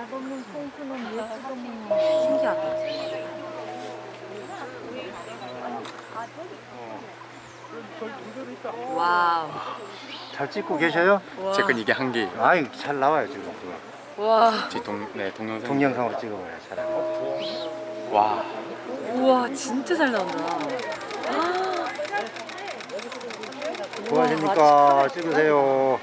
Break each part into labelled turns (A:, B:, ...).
A: 맛없는 송수는 왜 뜯어먹는 신기하다. 와우.
B: 잘 찍고 계셔요?
C: 제 건 이게 한 개.
B: 아이 잘 나와요 지금.
A: 와.
C: 제 동영상.
B: 동영상으로 찍어봐요 차라리.
C: 와.
A: 우와 진짜 잘 나온다.
B: 좋아하십니까? 찍으세요.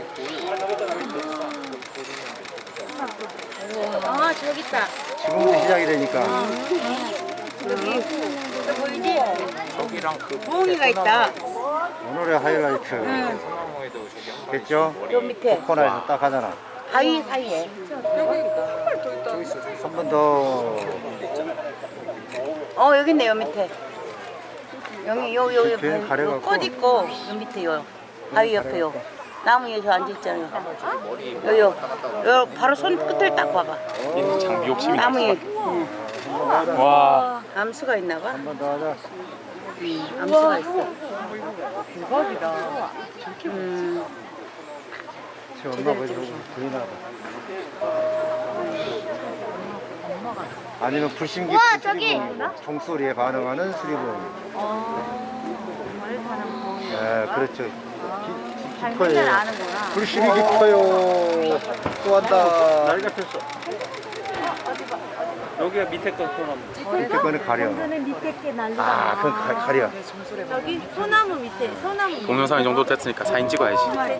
A: 아 저기 있다.
B: 지금부터 시작이 되니까.
A: 여기 저 보이지?
C: 저기랑 그
A: 부엉이가 있다.
B: 오늘의 하이라이트.
C: 소나무에도 저기 한
B: 됐죠?
A: 저 밑에
B: 코코넛에서 딱 하잖아.
A: 바위 사이에.
B: 한 번 더.
A: 여기 있네 요 밑에. 여기 요
B: 뒤에 가려갖고.
A: 꽃 있고 요 밑에 요 바위 옆에 요 나무에 저 앉아 있잖아요. 요 바로 손 끝을 딱 봐봐.
C: 있는 장비 욕심이
A: 나무에
C: 났어. 와.
A: 암수가 있나 봐.
B: 한 번 더 하자.
A: 암수가 있어.
D: 대박이다.
B: 저 엄마 보이나 봐. 아니면 불심 깊은 수리봉. 종소리에 반응하는 수리봉. 네, 그렇죠. 깊어요. 불심이 깊어요. 또 한다. 날 같았어.
C: 여기가 밑에 거 소나무.
B: 밑에 거는 가려. 아, 그건 가려.
A: 저기 소나무 밑에 소나무.
C: 동영상 이 정도 됐으니까 사진 찍어야지.